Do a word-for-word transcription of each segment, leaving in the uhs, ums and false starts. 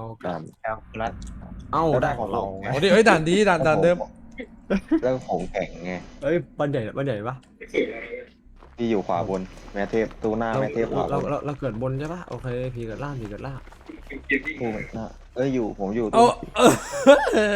เอากด่าลับนแอลรัดเอ้าแล้วได้ได้ของเราของเราไงโอ้ดิเอ้ยด่านดีด่านด่านเดิมแล้วของแข่งไงเอ้ยบ้านใหญ่บ้านใหญ่ปะที่อยู่ขวาบนแม่เทพตู้หน้าเราแม่เทพขวาบเรานเราเราเกิดบนใช่ปะโอเคผีเกิดล่างผีเกิดล่างตู้หน้าเอ้ยอยู่ผมอยู่เอาตู้เออ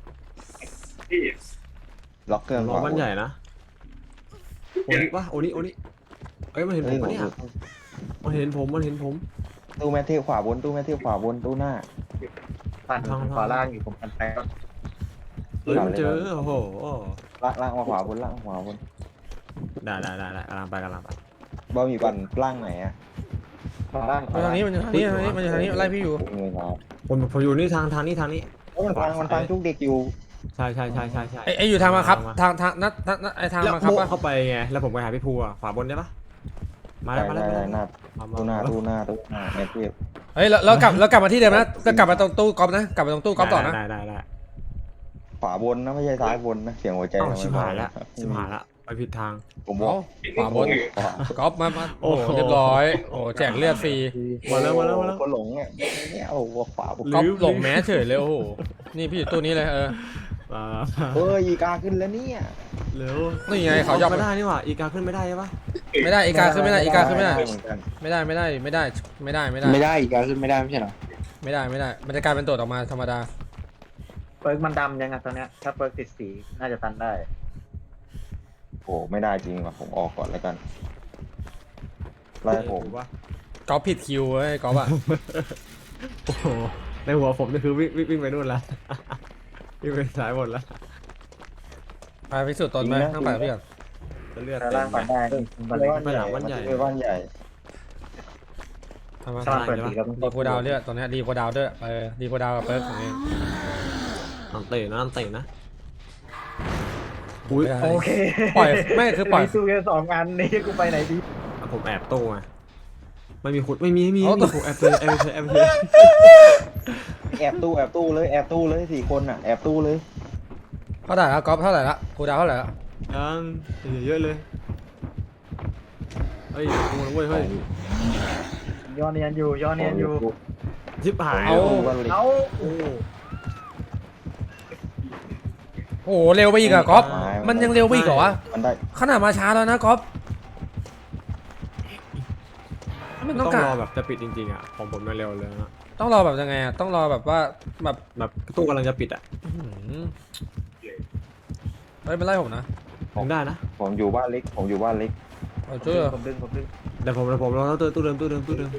ล็อกเครื่องรขอวาบบ้านนใหญ่นะโอนิปะโอนิโอนิเอ้ยมันเห็นผเอ้ยมผปะมเนี่อย ยู่มันเห็นผมมันเห็นผมตู้แม่เทพขวาบนตู้แม่เทพขวาบนตู้หน้าฟันขวาล่างอยู่ผมกันไปก็เฮ้ยมันเจอโอ้โหล่างล่างมาขวาบนล่างขวาบนได้ได้ได้ได้กำลังไปกำลังไปบอมีปั่นล่างไหนอะขวาล่างมาทางนี้มันอยู่ทางนี้ทางนี้มันอยู่ทางนี้ไล่พี่อยู่ผมเลยครับผมผมอยู่นี่ทางทางนี้ทางนี้โอ้ยมันฟังมันฟังทุกเด็กอยู่ใช่ใช่ใช่ใช่ใช่ไอ้ไอ้อยู่ทางมาครับทางทางนัดนัดนัดไอ้ทางแล้วมาครับโบปะเข้าไปไงแล้วผมไปหาพี่ภูอะขวาบนได้ปะมาแล้วมาแล้วได้มาได้หน้าแล้วตู้หน้าตู้หน้าตู้หน้าแม่เทพเฮ้ยแล้วแล้วกลับแล้วกลับมาที่เดิมนะก็กลับมาตรงตู้กอล์ฟนะกลับมาตรงตู้กอล์ฟต่อนะได้ได้ได้ขวาบนนะไม่ใช่ซ้ายบนนะเสียงหัวใจเอ้าทำไมชิบหายแล้วเบชิบหายแล้วไปผิดทางผมบอกขวาบนขวากอล์ฟมามาโอ้โหโอ้โหเรียบร้อยโอ้แจกเลือดฟรีมาแล้วมาแล้วมาแล้วคนหลงอ่ะเนี่ยเอาขวาบนกอล์ฟลืมหลงแม้เฉยเลยโอ้โหนี่พี่อยู่ตู้นี้เลยเออมาเฮ้ยอีกาขึ้นแล้วเนี่ยเร็วนี่ไงเขายอมไม่ได้นี่หว่าอีกาขึ้นไม่ได้ใช่ปะไม่ได้อีกาขึ้นไม่ได้อีกาขึ้นไม่ได้เหมือนกันไม่ได้ไม่ได้ไม่ได้ไม่ได้ไม่ได้ไม่ได้อีกการขึ้นไม่ได้ไม่ใช่เหรอไม่ได้ไม่ได้มันจะกลายเป็นตัวออกมาธรรมดาเปิร์กมันดำยังไงตอนเนี้ยถ้าเปิร์กติดสีน่าจะตันได้โอ้ไม่ได้จริงว่ะผมออกก่อนแล้วกันไล่ผมถูกปะกอล์ฟผิดคิวเว้ยกอล์ฟอะโอ้โหในหัวผมนี่คือวิ่งวิ่งวิ่งไปนู่นละวิ่งไปซ้ายบนละไปพิสูจน์ตนไหมต้องไปกับพี่ก่อนจะเลือดขวาเต็ล่างมปันได้บันไปเล็กบ้านใหญ่บ้านใหญ่ไปบ้านใหญ่ทำไมถ้ามันเปิดสีก็ต้องดีโคดาวเลือดตอนนี้ดีโคดาวด้วยเออดีโคดาวกับเปิร์กของเองอันเตะนะอันเตะนะอุ้ยไม่ได้โอเคปล่อยไม่คือปล่อยมีสู้แค่สองอันนี่กูไปไหนดีผมแอบตู้ไงไม่มีขุดไม่มีไม่มีไม่มีผมแอบเลยแอบเลยแอบเลยแอบตู้แอบตู้เลยแอบตู้เลยสี่คนอ่ะแอบตู้เลยเท่าไหร่ละกอล์ฟเท่าไหร่ละโคดาวเท่าไหร่ละยังเยอะเลยเฮ้ยโอ้ยเว้ยเฮ้ยย้อนเนียนอยู่ย้อนเนียนอยู่ชิบหายเอาบ้านเล็กเอาโอ้โอ้โหเร็วไปอีกอะกอล์ฟมันยังเร็วไปอีกเหรอวะมันได้ขนาดมาช้าแล้วนะกอล์ฟมันต้ต้ออง งการรอแบบจะปิดจริงๆอ่ะของผมเร็วเลยนะต้องรอแบบยังไงอะต้องรอแบบว่าแบบแบบตู้กำลังจะปิดอ่ะอื้อหือเฮ้ยมันไล่ผมนะถึงได้นะผมอยู่บ้านเล็กผมอยู่บ้านเล็กเอาช่วยเหรอผมดึงผมดึงเดี๋ยวผมเดี๋ยวผมรอตู้ตู้เดิมตู้เดิมตู้เดิม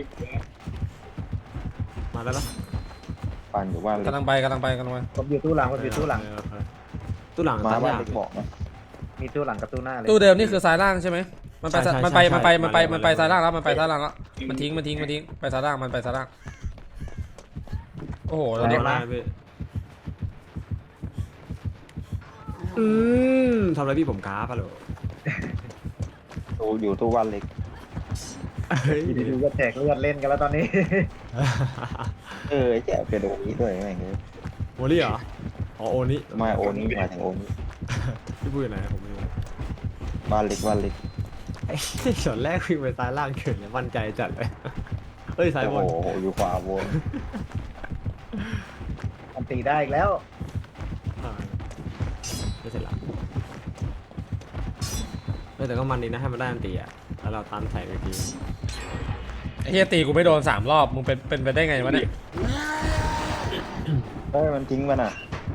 มาแล้วนะบ้านอยู่บ้านเล็กกำลังไปกำลังไปกำลังไปผมอยู่ตู้หลังผมอยู่ตู้หลังตู้หลังมาตามบ้านยากเล็กบอกนะมีตู้หลังกับตู้หน้าเลยตู้เดิมนี่คือซ้ายล่างใช่ไหมมันไปใช่ใช่มันไปใช่มันไปใช่มันไปมาเลยมันไปมาเลยซ้ายล่างแล้วมันไปซ้ายล่างแล้วมันทิ้งมันทิ้งมันทิ้งไปซ้ายล่างมันไปซ้ายล่างโอ้โหตอนนี้มาได้พี่อืมทำอะไรพี่ผมกราฟอะเหรอตู้อยู่ตู้บ้านเล็กเฮ้ยอยู่ดีๆก็แจกเลือดเล่นกันแล้วตอนนี้เออแจ๊เป็นโอนี้ด้วยแม่งเลยโอนี่เหรออ๋อโอนี่มาโอนี้มาถึงโอนี้พี่พูดอยู่ไหนผมไม่รู้บ้านเล็กบ้านเล็กไอ้ช็อตแรกวิ่งไปซ้ายล่างเกินเลยมั่นใจจัดเลยเฮ้ยซ้ายบโอ้นโหอยู่ขวาบนมันตีได้อีกแล้วอ่าไม่เสร็จละเฮ้ยแต่ก็มันดีนะให้มันได้อันตีอ่ะแล้วเราตันใส่ไปทีไอ้เฮียตีกูไม่โดนสามรอบมึงเป็นเป็นไปได้ไงวะเนี่ยเฮ้ยมันทิ้งมันอ่ะ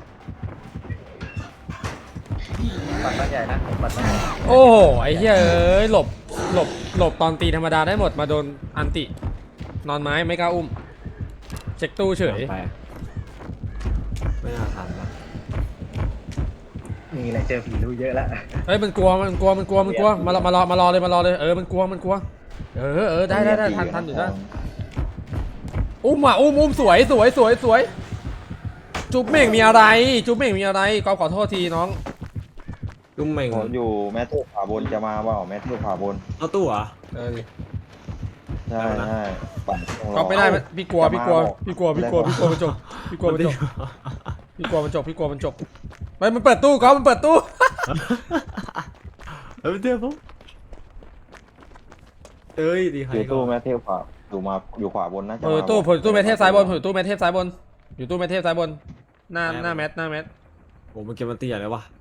ปัดบ้านใหญ่นะผมปัดบ้านใหญ่โอ้โหไอ้เฮียเอ้ยหลบหลบหลบตอนตีธรรมดาได้หมดมาโดนอันตินอนไม้ไม่กล้าอุ้มเช็คตู้เฉยไปไม่น่าทันปะนี่แหละเจอผีรู้เยอะแล้วเฮ้ยมันกลัวมันกลัวมันกลัวมันกลัวมารอมารอมารอเลยมารอเลยเออมันกลัวมันกลัวเออเออได้ได้ได้ทันทันอยู่ได้อุ้มอ่ะอุ้มอุ้มสวยสวยสวยสวยจุ๊บเม่งมีอะไรจุ๊บเม่งมีอะไรก็ขอโทษทีน้องตุ้มเม่งผมอยู่แม่เทพขวาบนจะมาเปล่าแม่เทพขวาบนเอาตู้เหรอเออใช่ใช่ปั่นต้องรอก็ไม่ได้พี่กลัวพี่กลัวพี่กลัวพี่กลัวพี่กลัวมันจบพี่กลัวมันจบพี่กลัวมันจบพี่กลัวมันจบไปมันเปิดตู้ก็มันเปิดตู้เฮ้ยเดี๋ยวผมเอ้ยดีใครอยู่ก็ตู้แม่เทพขวาอยู่มาอยู่ขวาบนนะจะเออมาตู้บอกผมอยู่ตู้แมทเทพซ้ายบนผมอยู่ตู้แมทเทพซ้ายบนอยู่ตู้แมทเทพซ้ายบนหน้าหน้าแมทหน้าแมทโอ้มันเก็บมันเตี้ยเลยวะ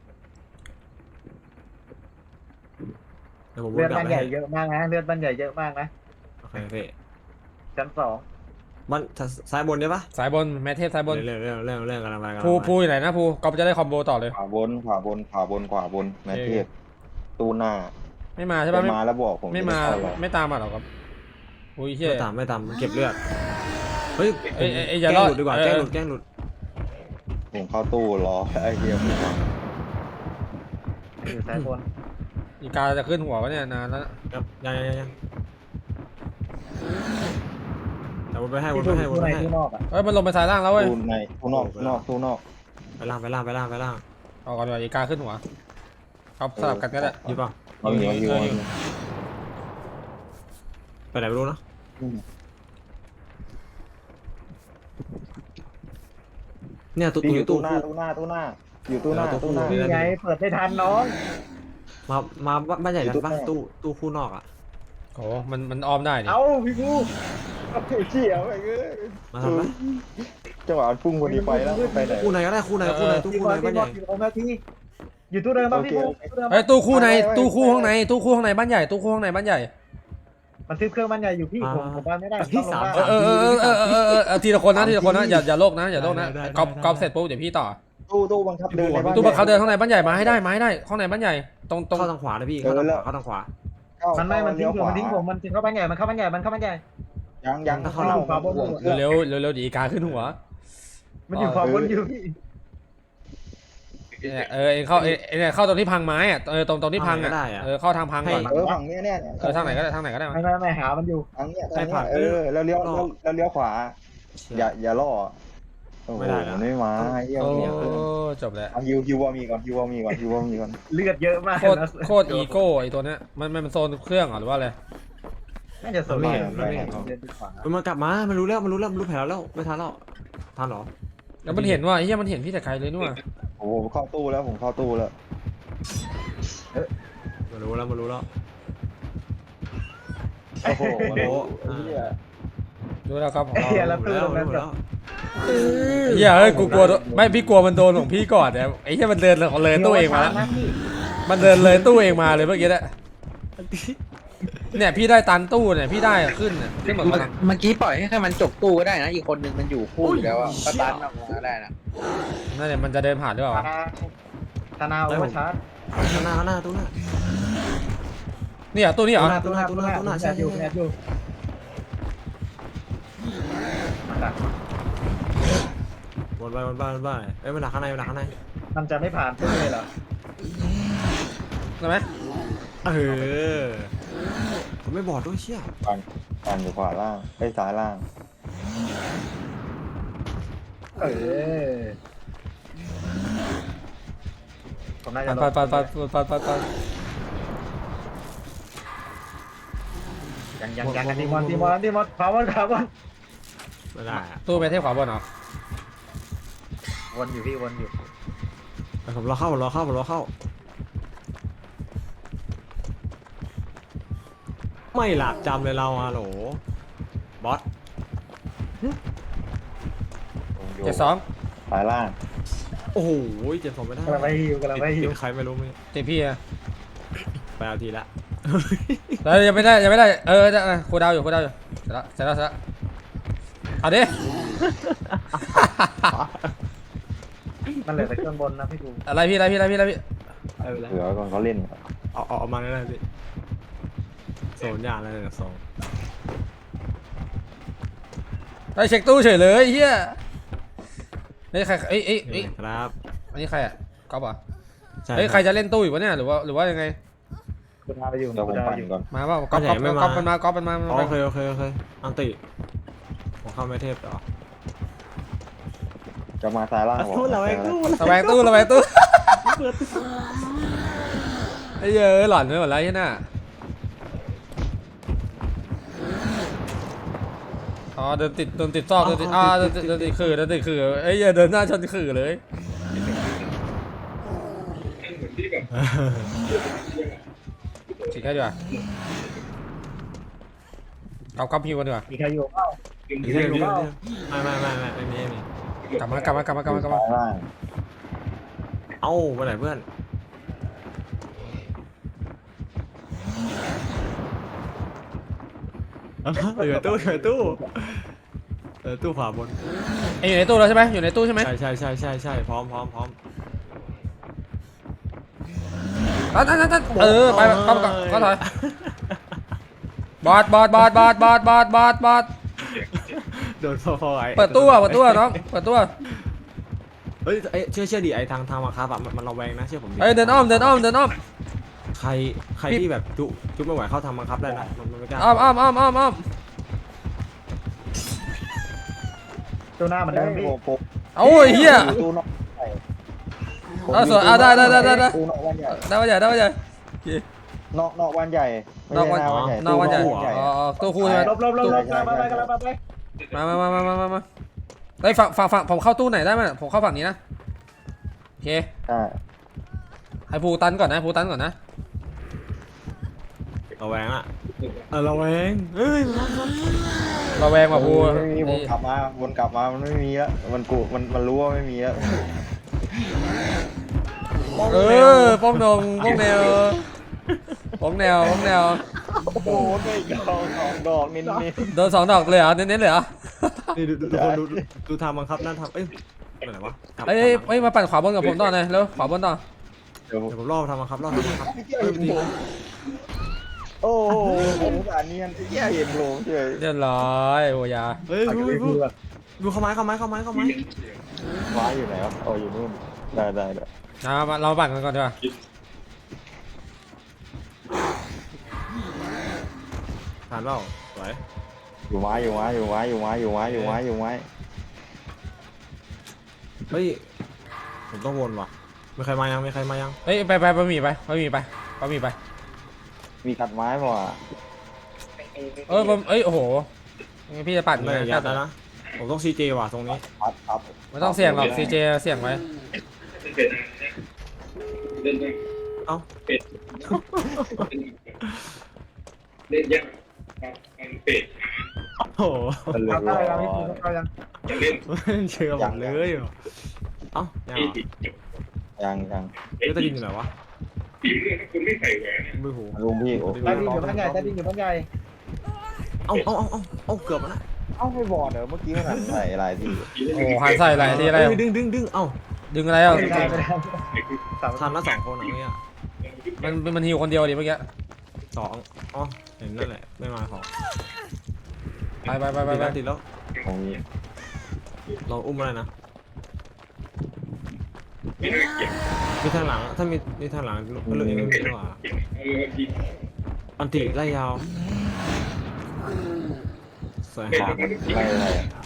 เดี๋ยวผมวเลือน ดกลับบ้านไปใหญ่ให้เยอะมากนะเลือดบ้านใหญ่เยอะมากนะโอเคพี่ชั้นสองมันซ้ายบนใช่ปะสายบนแมทเทพซ้ายบนเรื่องเรื่องเรื่องเรื่องกำลังไปกำลังภูไปภูอยู่ไหนนะภูก็จะได้คอมโบต่อเลยขวาบนขวาบนขวาบนขวาบนขวาบนแมทเทพตู้หน้าไม่มาใช่ปะจะไม่มาแล้วบอกผมไม่มาจะด้เข้าเลยไม่ตามมาหรอกครับอุ้ยเฮียไม่ตามไม่ตามมันเก็บเลือดเฮ้ยเอ้ยเอ้ยเอ้ยอแกย่าล้รอง ดหลุดดีกว่าเออแกล้งหลุดแกล้งหลุดผมเข้าตู้รอไอ้เหี้ยผมมาอยู่ซ้ายบนอีกาจะขึ้นหัววะเนี่ยนานแล้วครับยังยังยังยังแต่วนไปให้วที่นดูไปให้วนที่ไปในให้ที่นอกอ่ะเอ้ยมันลงไปซ้ายล่างแล้วเว้ยตู้ในตู้นอกตู้นอกตู้นอกไปล่างไปล่างไปล่างไปล่างเอาก่อนดีกว่าอีกาขึ้นหัวเอาสลับกันก็ได้อยู่เปล่าเอาอยู่เอาอยู่เอาอยู่ไปไหนไม่รู้เนอะเนี่ยตู้พี่ตู้อยู่ตู้ตู้หน้าตู้หน้าตู้หน้าอยู่ตู้หน้าเออตู้ตู้หน้าคู่นี่ไงเปิดได้ทันน้องมามาบ้านใหญ่กันปะอยู่ตู้ตู้ตู้คู่นอกอ่ะโอ้มันมันออมได้นี่เอ้าพี่กูเอาเชี่ยไปเลยมาทำปะจังหวะพุ่งคนนี้ไปแล้วไปไหนคู่ไหนก็ได้คู่ไหนคู่ไหนตู้พี่คู่บไหอน ลบ้าพี่นบใหอญ่ลอยู่ตรงนาทีอยู่ตู้เดิมป่ะพี่กูตู้เดิมเฮ้ยปะตู้คู่ในตู้คู่ห้องในตู้คู่ห้องในบ้านใหญ่ตู้คู่ห้องในบ้านใหญ่มันซื้อเครื่องบ้านใหญ่อยู่พี่ผมผมบ้านไม่ได้ต้องลงบ้านเออเออเออเออเออเออเออเอาทีละคนนะทีละคนนะอย่าอย่าโลกนะอย่าโลกนะกอบกอบเสร็จปุ๊บเดี๋ยวพี่ต่อตู้ตู้บังคับเดินในบ้านตู้บังคับเดินข้างในบ้านใหญ่มาให้ได้มาให้ได้ข้างในบ้านใหญ่ตรงตรงเข้าทางขวานะพี่เข้าทางขวาเข้าทางขวามันไม่มันทิ้งผมมันทิ้งผมมันทิ้งเข้าบ้านใหญ่มันเข้าบ้านใหญ่มันเข้าบ้านใหญ่ยังยังเข้าเข้าขวาบนเร็วเร็วเร็วดีอีกาขึ้นหัวมันอยู่ขวาบนอยู่พี่เนี่ยเออเองเข้าเอเอเนี่ยเข้าตรงที่พังไม้อะเออตรงตรงที่พังอะเออเข้าทางพังก่อนเออฝั่งเนี้ยเนี่ยเออทางไหนก็ได้ทางไหนก็ได้ไม่ไม่ไม่หามันอยู่ทางเนี้ยทางเนี้ยเออแล้วเลี้ยวแล้วเลี้ยวขวาอย่าอย่าล่อไม่ได้นะไม่มาเยี่ยมโอ้เนี่ยจบแล้วฮิวฮิววอมีก่อนฮิววอมีก่อนฮิววอมีก่อนเลือดเยอะมากโคตรโคตรอีโก้ไอตัวเนี้ยมันมันโซนเครื่องหรือว่าอะไรน่าจะสวยมันมากลับมามันรู้แล้วมันรู้แล้วมันรู้แผนแล้วไม่ทันแล้วทันหรอแล้วมันเห็นว่าเฮียมันเห็นพี่แต่ใครเลยนู่นโอ้โหเข้าตู้แล้วผมเข้าตู้แล้วมันรู้แล้วมันรู้แล้วโอ้โหโอ้โหดูแล้วครับของเราเฮียแล้วตู้แล้วตรงนั้นรู้แบแล้บวเฮียเฮ้ยกูกลัวไม่พี่กลัวมันโดนของพี่ก่อนแต่ไอ้เฮียมันเดินเลยตู้เองมาแล้วมันเดินเลยตู้เองมาเลยเมื่อกี้เนี่ยเนี่ยพี่ได้ตันตู้เนี่ยพี่ได้ขึ้นเนี่ยขึ้นหมดเมื่อแล้วเมื่อกี้ปล่อยให้แค่มันจบตู้ก็ได้นะ อีกคนหนึ่งมันอยู่คู่อยู่แล้วอ่ะก็ตันออกมาได้นะนั่นเนี่ยมันจะเดินผ่านหรือเปล่าธนาโอเวอร์ชาร์จข้างหน้าข้างหน้าตู้หน้าเนี่ยตู้นี้เหรอตู้หน้าตู้หน้าตู้หน้าใช่อยู่แอดอยู่มันดักวนไปวนไปวนไปเอ้ยมันดักข้างในมันดักข้างในมันจะไม่ผ่านตู้เลยเหรอใช่ไหมเออผมไม่บอกด้วยเชี่ยปั่นปั่นอยู่ขวาล่างไอ้ซ้ายล่างเออผมน่าจะปัดปัดปัดปัดปัดปัดปัดยังยังยังดีมอนดีมอนดีมอนพาวเวอร์พาวเวอร์ไม่ได้อะตู้เมทเทพขวาบนเหรอวนอยู่พี่วนอยู่ผมรอเข้าผมรอเข้าผมรอเข้าไม่หลับจำเลยเราอะโหลบอสผมอยู่เจ็ดสองซ้ายล่างโอ้โหเจ็บผมไม่ได้กำลังไปฮิวกำลังไปฮิวติดใครไม่รู้ไม่ตีพี่อะไปเอาทีละแล้วยังไม่ได้ยังไม่ได้เออจะครูดาวอยู่ครูดาวอยู่เสร็จแล้วเสร็จแล้วเสร็จแล้วเอาดิมันเหลือแต่เครื่องบนนะพี่กูอะไรพี่อะไรพี่อะไรพี่อะไรพี่เอาไปแล้วเหลือก่อนเขาเล่นเอาเอาเอามาได้เลยพี่โซนยากเลยนะโซนไปเช็คตู้เฉยเลยเฮียนี่ใครเอ้ยเอ้ยเอ้ยครับอันนี้ใครอ่ะก๊อฟอ่ะใช่เฮ้ยใครจะเล่นตู้อยู่วะเนี่ยหรือว่าหรือว่ายังไงคุณพาไปอยู่เดี๋ยวผคุมณพาปั่ไปนอยู่ก่อนมาเปล่าก๊อฟก๊อฟก๊อฟมันมาก๊อฟมันมาโอเคโอเคโอเคอันติผมเข้าไม่เทพต่อจะมาซ้ายล่างบอกระแวงตู้ระแวงตู้ไอ้เหี้ยเอ้ยหลอนไปหมดแล้วที่น่ะอ๋อเดินติดเดินติดซอกเดินติดอ่าเดินติดเดินติดขื่อเดินติดขื่อไอ้เหี้ยเดินหน้าชนขื่อเลยฉีกให้ดีกว่ากลับกลับพิวกันดีกว่ามีใครอยู่เปล่าเดี๋ยวเดี๋ยวเดี๋ยวไม่ไม่ไม่ไม่ไม่มีไม่มีกลับมากลับมากลับมากลับมากลับมาซ้ายล่างเอ้าไปไหนเพื่อนอยู่ในตู้อยู่ในตู้เออตู้ขวาบนเอ้ยอยู่ในตู้แล้วใช่ไหมอยู่ในตู้ใช่ไหมใช่ใช่ใช่ใช่ใช่พร้อมพร้อมพร้อมนั่นนั่นนั่นเออไปไปเข้าไปก่อนเข้าถอยบอดบอดบอดบอดบอดบอดบอดบอดโดนฟอฟอไอเปิดตู้อ่ะเปิดตู้อ่ะน้องเปิดตู้อ่ะเฮ้ยเอ้ยเชื่อเชื่อดิไอทางทางมาครับอะมันมันระแวงนะเชื่อผมดิเอ้ยเดินอ้อมเดินอ้อมเดินอ้อมใครใครที่แบบจุจุไม่ไหวเข้าทางมาครับได้นะมันมันไม่กล้าอ้อมอ้อมอ้อมอ้อมอ้อมตัวหน้ามันเดิมพี่ผมผมโอ้ยเฮียตู้นอกใหญ่เอาสวยเอาได้ได้ได้ได้ได้ตู้นอกวันใหญ่ได้ปะใหญ่ได้ปะใหญ่นอกนอกวันใหญ่ไม่นอกใช่วันหน้าวันใหญ่นอกวันใหญ่ตู้ใหญ่อ๋ออ๋อตู้คู่ใช่ไหมลบลบลบลบมาไปกันแล้วไปมามามามามามาไอ้ยฝั่งฝั่งฝั่งผมเข้าตู้ไหนได้ไหมผมเข้าฝั่งนี้นะโอเคใช่ให้ภูตันก่อนนะภูตันก่อนนะระแวงอะเออระแวงเฮ้ยมันมันระแวงว่ะภูไม่มีวนกลับมาวนกลับมามันไม่มีแล้วมันกูมันมันรู้ว่าไม่มีแล้วเออป้องนงป้องแนวป้องแนวป้องแนวโอ้โหได้ดอกสองดอกนิดนิดโดนสองดอกเลยเหรอเน้นๆเลยเหรอนี่ดูดูดูคนดูดูดูทางบังคับนั่นทำเอ้ยไปไหนวะกลับเอ้ยกลับเอ้ยมาปั่นขวาบนกับผมต่อหน่อยเร็วขวาบนต่อเดี๋ยวผมเดี๋ยวผมรอบทางบังคับรอบทางบังคับเฮ้ยดีโอ้โหผมสารเนียนแย่เห็นโผล่เฉยเรียบร้อยโอ้ยาเฮ้ยดูดูดูเข้าไม้เข้าไม้เข้าไม้เข้าไม้ว้าอยู่ไหนวะอ๋ออยู่นู่นได้ได้ได้นะมาเราปั่นกันก่อนดีกว่าผ่านเปล่าสวยอยู่ไม้อยู่ไม้อยู่ไม้อยู่ไม้อยู่ไม้อยู่ไม้อยู่ไม้เฮ้ยผมต้องวนว่ะมีใครมายังมีใครมายังเฮ้ยไปไปบะหมี่ไปบะหมี่ไปบะหมี่ไปมีกัดไม้ป่ะเออบะเอ้ยโอ้โหงั้นพี่จะปั่นไม่ไงยัดแล้วนะผมต้องซีเจว่ะตรงนี้พัดพัดไม่ต้องเสี่ยงหรอกซีเจเสี่ยงไว้เอ้าเล่นยากมันเป็ดโอ้โหมันเลยทำได้แล้วพี่ภูเขายังจะเล่นเชื่อผมเลยเหรอเอ้ายังเหรอยังยังเฮ้ยตะดินอยู่ไหนวะฝีมือถ้าคุณไม่ใส่แหวนเนี่ยไม่หูลุงพี่โอ้ใต้ดินอยู่บ้านใหญ่ใต้ดินอยู่บ้านใหญ่เอ้าเอ้าเอ้าเอ้าเอ้าเกือบแล้วนะเอ้าไม่บอดเหรอเมื่อกี้มันใส่อะไรที่โอ้หันใส่อะไรที่อะไรเฮ้ยดึงดึงดึงเอ้าดึงอะไรอ่ะไม่ได้ไม่ได้สามทันละสองคนอ่ะเมื่อกี้มันมันฮิวคนเดียวดิเมื่อกี้สองอ๋อเห็นนั่นแหละไม่มาของไปไปไปไปติดไปแล้วติดแล้วของนี้เราอุ้มอะไรนะไม่น่าเก็บมีทางหลังถ้ามีมีทางหลังก็เลยไม่มีดีกว่าเออดีอันติไล่ยาวสวยของไม่อะไร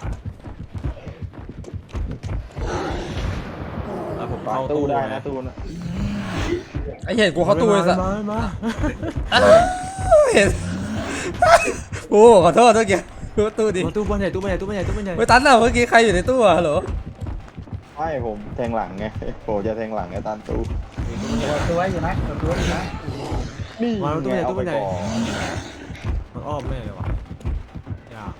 แล้วผมปาเข้าตู้ตู้ได้นะนะตู้นะไอ้เห็นกูเข้าตู้เลยสัสมามาเห็นโอ้ขอโทษเมื่อกี้กูตู้ดิมาตู้บ้านใหญ่ตู้บ้านใหญ่ตู้บ้านใหญ่ตู้บ้านใหญ่ไม่ตันอ่ะเมื่อกี้ใครอยู่ในตู้อ่ะฮัลโหลไม่ผมแทงหลังไงผมจะแทงหลังไงตันตู้ตัวอยู่นะตัวอยู่นะนี่มาตู้บ้านใหญ่เอาตู้ไปบ้านใหญ่ก่อนมันอ้อมแม่เลยวะยาก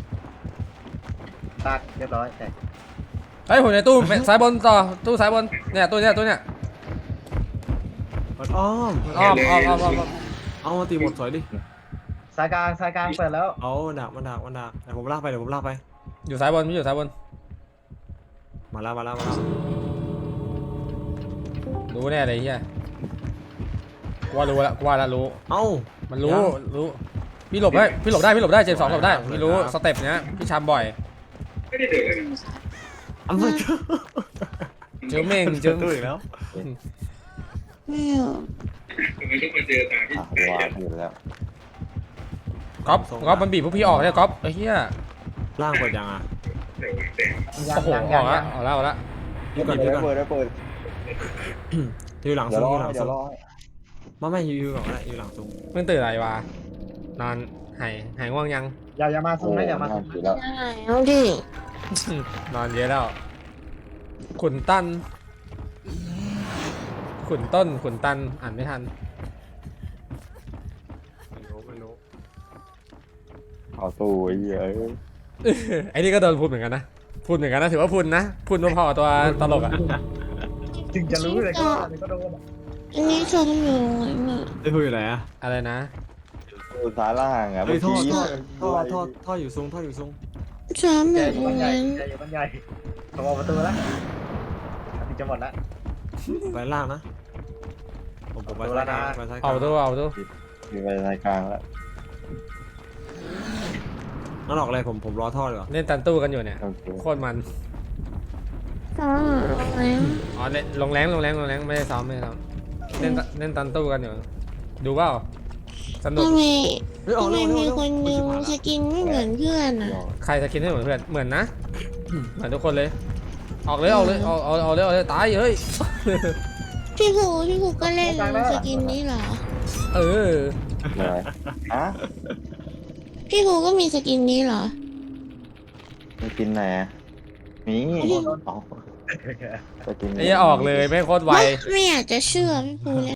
ตัดเรียบร้อยแต่ไอ้ยผมในตู้ซ้ายบนต่อตู้ซ้ายบนเนี่ยตู้เนี้ยตู้เนี้ยมันอ้อมอ้อมอ้อมอ้อมอ้อมอ้อมเอามาตีหมดสวยดิสายกลางสายกลางเปิดแล้วเอาดักมันดักมันดักเดี๋ยวผมลากไปเดี๋ยวผมลากไปอยู่ซ้ายบนไม่อยู่ซ้ายบนมาแล้วมาแล้วมาแล้วรู้แน่เลยเฮียกูว่ารู้ละกูว่าละรู้เอ้ามันรู้รู้พี่หลบได้พี่หลบได้พี่หลบได้เจมส์สองหลบได้พี่รู้สเต็ปเนี้ยพี่ชามบ่อยไม่ได้เดินเลยนะอันนี้เจอเม่งเจอตู้อีกแล้วทำไมต้องมาเจอตาที่อ่ะไหนวาอ่ะดอยู่แล้วก๊อฟก๊อฟมันบีบพวกพี่ออกเนี่ยก๊อฟไอ้เหี้ยล่างเปิดยังอ่ะแต่ว่าแต่ยังโอ้โหยังอยัอง กยัละงออกละออกละยูก่อนเดี๋ยูยวก่อนเปิดเดี๋ยวเปิดยูหลังเดี๋ยซุ้วมรอยูหลังเดี๋ยซุ้วมรอมาไม่ยูยูก่อนก็ได้ยูหลังซุ้มเพิ่งตื่นอะไรวะนอนหายหายง่วงยังอย่าอย่ามาซุ่มนะอย่ามาซุ่มอยู่แล้วเอาดินอนเยอะแล้วขุนตันขุนต้นขุนตันอ่านไม่ทันไม่รู้ไม่รู้เขาเอาตู้ไอ้เหี้ยเอ้ยไอ้นี่ก็โดนพูดเหมือนกันนะพูดเหมือนกันนะถือว่าพูดนะพูดพอๆกับตัวตลกอ่ะถึงจะรู้เลยก็ว่าก็โดนอันนี้ชมอยู่ไหนมาไอ้พูดอยู่ไหนอะอะไรนะตู้ซ้ายล่างอ่ะเฮ้ยท่อเมื่อกี้ท่อท่อท่อท่ออยู่ทรงท่ออยู่ทรงชมแบใหญ่บบ้านใหญ่นั้นใหญ่บ้านใหญ่เขาบอกประตูแล้วถึงจะหมดแล้วไปล่างนะผมผมไปเอาซ้าละยกลางนะไปซ้ายกเอาลางดูเอาดูมีไปรายกลางแล้วนั่นออกอะไรผมผมรอท่อดีกว่าเล่นตันตู้กันอยู่เนี่ยโอเคโคตรมันซ้อมอะไรอ๋อเล่นลงแรงลงแรงลงแรงไม่ได้ซ้อมไม่ได้ซ้อมเล่นตเล่นตันตู้กันอยู่ดูเปล่าสนุกทำไมเฮ้ยออกทำไมเร็วมีเร็วคนเร็วนึงสกินไม่เหมือนเพื่อนอ่ะใครสกินให้เหมือนเพื่อนเหมือนนะเหมือนทุกคนเลย ออกเลยออกเลยออกเอาเอาเลยเอาเลยตายเฮ้ยพี่ภูพี่ภูก็เล่นสกินนี้เหรอเอออะไรฮะพี่ภูก็มีสกินนี้เหรอมีกินไหนอะมีอ๋อไปกินไอ้เหี้ยออกเลยไม่งโคตรไวไม่อยากจะเชื่อพี่ภูเลย